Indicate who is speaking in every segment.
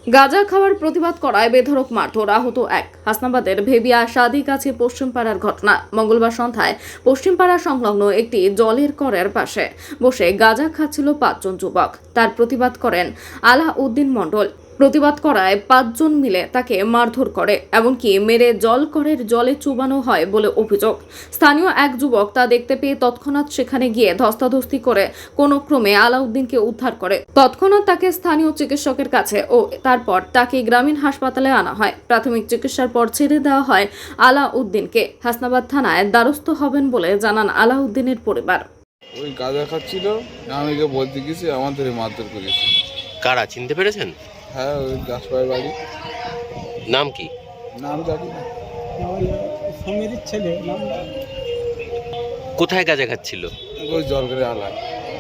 Speaker 1: গাঁজা খাওয়ার প্রতিবাদ করায় বেধড়ক মারধর, আহত এক। হাসনাবাদের ভেবিয়া শাদি কাছে পশ্চিমপাড়ার ঘটনা। মঙ্গলবার সন্ধ্যায় পশ্চিমপাড়া সংলগ্ন একটি জলের করের পাশে বসে গাঁজা খাচ্ছিল 5 জন যুবক। তার প্রতিবাদ করেন আলাউদ্দিন মণ্ডল। প্রতিবাদ করায় 5 জন মিলে তাকে মারধর করে, এমনকি মেরে করের জলে চুবানো হয় বলে অভিযোগ। স্থানীয় এক যুবক তা দেখতে পেয়ে তৎক্ষণাৎ সেখানে গিয়ে ধস্তাধস্তি করে কোনো ক্রমে আলাউদ্দিনকে উদ্ধার করে। তৎক্ষণাৎ তাকে স্থানীয় চিকিৎসকের কাছে ও তারপর তাকে গ্রামীণ হাসপাতালে আনা হয়। প্রাথমিক চিকিৎসার পর ছেড়ে দেওয়া হয় আলাউদ্দিনকে। হাসনাবাদ থানায় দ্বারস্থ হবেন বলে জানান আলাউদ্দিনের পরিবার।
Speaker 2: ওই গাঁজা খাচ্ছিল, আমি বলতে গেছি আমাদের মারধর করেছে।
Speaker 3: কারা চিনতে পেরেছেন?
Speaker 2: হ্যাঁ, ওই দাসপাড়ার বাড়ি।
Speaker 3: নাম কি?
Speaker 2: নাম জানি না।
Speaker 4: সমীর ছেলে।
Speaker 3: কোথায় গাঁজা খাচ্ছিল?
Speaker 2: ওই জল করে আলায়।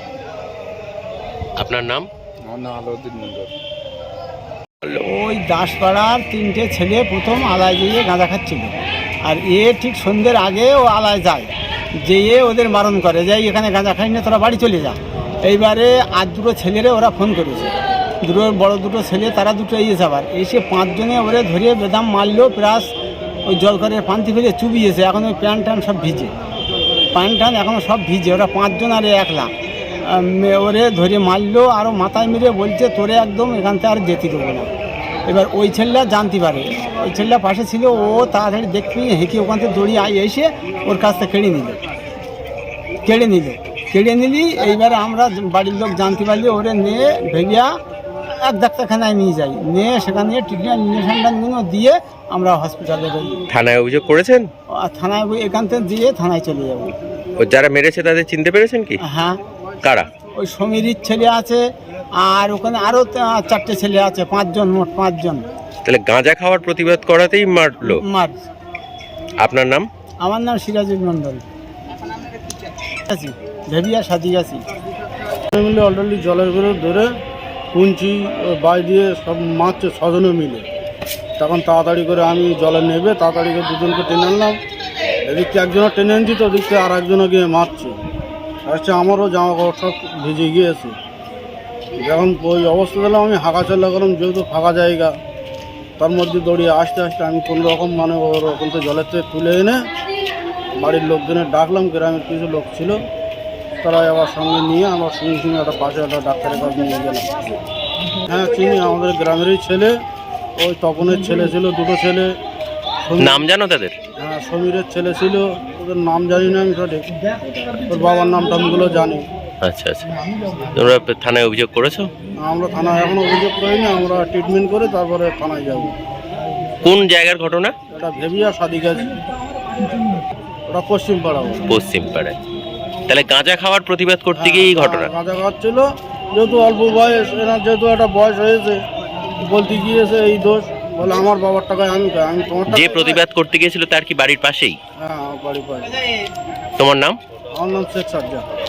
Speaker 3: আপনার নাম?
Speaker 2: আমার নাম আলাউদ্দিন মন্ডল।
Speaker 4: ওই দাসপাড়ার 3টে ছেলে প্রথম আলায় যেয়ে গাঁজা খাচ্ছিল, আর ঠিক সন্ধ্যের আগে ও আলায় যায়, যেয়ে ওদের মারণ করে, যাই এখানে গাঁজা খাই না, তোরা বাড়ি চলে যা। এইবারে আর 2টো ছেলেরে ওরা ফোন করেছে, বড় 2টো ছেলে, তারা 2টো এসে আবার এসে 5 জনে ওরে ধরিয়ে বেদাম মারলো, প্লাস ওই জল করে পান্তি ফেলে চুবিয়েছে। এখন ওই প্যান্ট ট্যান্ট সব ভিজে, প্যান্ট ট্যান্ট এখনও সব ভিজে। ওরা 5 জন আর 1 ওরে ধরে মারলো, আরও মাথায় মেরে বলছে তোরে একদম এখান থেকে আর যেতে দেবো না। এবার ওই ছেলেটা জানতে পারে, ওই ছেলেটা পাশে ছিল, ও তাড়াতাড়ি দেখতে হেঁকে ওখান থেকে দড়িয়ে এসে ওর কাছ থেকে কেড়ে নিলি। এইবার আমরা বাড়ির লোক জানতে পারলি, ওরে নিয়ে ভেবিয়া এক ডাক্তারখানায় নিয়ে যাই, নিয়ে সেখানে ট্রিটমেন্ট ইঞ্জেকশনটা দিয়ে আমরা হসপিটালে যাই।
Speaker 3: থানায় অভিযোগ করেছেন?
Speaker 4: থানায় এখান থেকে দিয়ে থানায় চলে যাবো।
Speaker 3: যারা মেরেছে তাদের চিনতে পেরেছেন কি?
Speaker 4: হ্যাঁ।
Speaker 3: কারা?
Speaker 4: ওই সমীর ছেলে আছে, আর ওখানে আরও 4টে ছেলে আছে, 5 জন, মোট 5 জন।
Speaker 3: তাহলে গাঁজা খাওয়ার প্রতিবাদ করাতেই মারলো? আপনার নাম?
Speaker 4: আমার নাম সিরাজুল মন্ডল। ভেবিয়া শাদি আছি।
Speaker 5: মিলে অলরেডি জলের করে ধরে কুঞ্চি বাই দিয়ে সব মারছে 6 জনে মিলে। তখন তাড়াতাড়ি করে আমি জলে নেবে তাড়াতাড়ি করে 2 জনকে টেনে আনলাম। এদিকে একজনে টেনে আনছি, তো ওদিকে আর একজনে গিয়ে মারছে। আসছে আমারও জামা কাপড় সব ভিজে গিয়েছে। যখন ওই অবস্থা দিলাম আমি হাঁকাচলা করলাম, যেহেতু ফাঁকা জায়গা, তার মধ্যে দৌড়িয়ে আসতে আমি কোনো রকম ওর ওখান থেকে জলের থেকে তুলে এনে বাড়ির লোকজনের ডাকলাম। গ্রামের কিছু লোক ছিল, তারা আবার সঙ্গে নিয়ে আমার সঙ্গে একটা পাশে একটা ডাক্তারের কাছে নিয়ে গেলাম। হ্যাঁ চিনি, আমাদের গ্রামেরই ছেলে। ওই তপনের ছেলে ছিল, 2টো ছেলে।
Speaker 3: নাম জানো তাদের?
Speaker 4: হ্যাঁ, সমীরের ছেলে ছিল, ওদের নাম জানি না আমি সঠিক, ওর বাবার নাম টামগুলো জানি।
Speaker 3: আচ্ছা। তোমরা থানায় অভিযোগ করেছো?
Speaker 4: আমরা থানায় এখনো অভিযোগ করিনি, আমরা ট্রিটমেন্ট করে তারপরে থানায় যাব।
Speaker 3: কোন জায়গার ঘটনা?
Speaker 4: এটা ভেবিয়া শাদি গাছি, ওটা পশ্চিমপাড়ায়।
Speaker 3: তাহলে গাঁজা খাওয়ার প্রতিবাদ করতে গিয়ে এই ঘটনা?
Speaker 4: গাঁজা খাচ্ছিল, যেহেতু অল্প বয়স, এনার যেহেতু একটা বয়স হয়েছে, বলতে গিয়েছে এই দোষ, বলে আমার বাবার টাকায় আমি তোমার।
Speaker 3: যে প্রতিবাদ করতে গিয়েছিল তার কি বাড়ির পাশেই?
Speaker 4: হ্যাঁ, বাড়ির পাশে।
Speaker 3: তোমার নাম?
Speaker 4: আমার নাম শেখ সাজ্জা।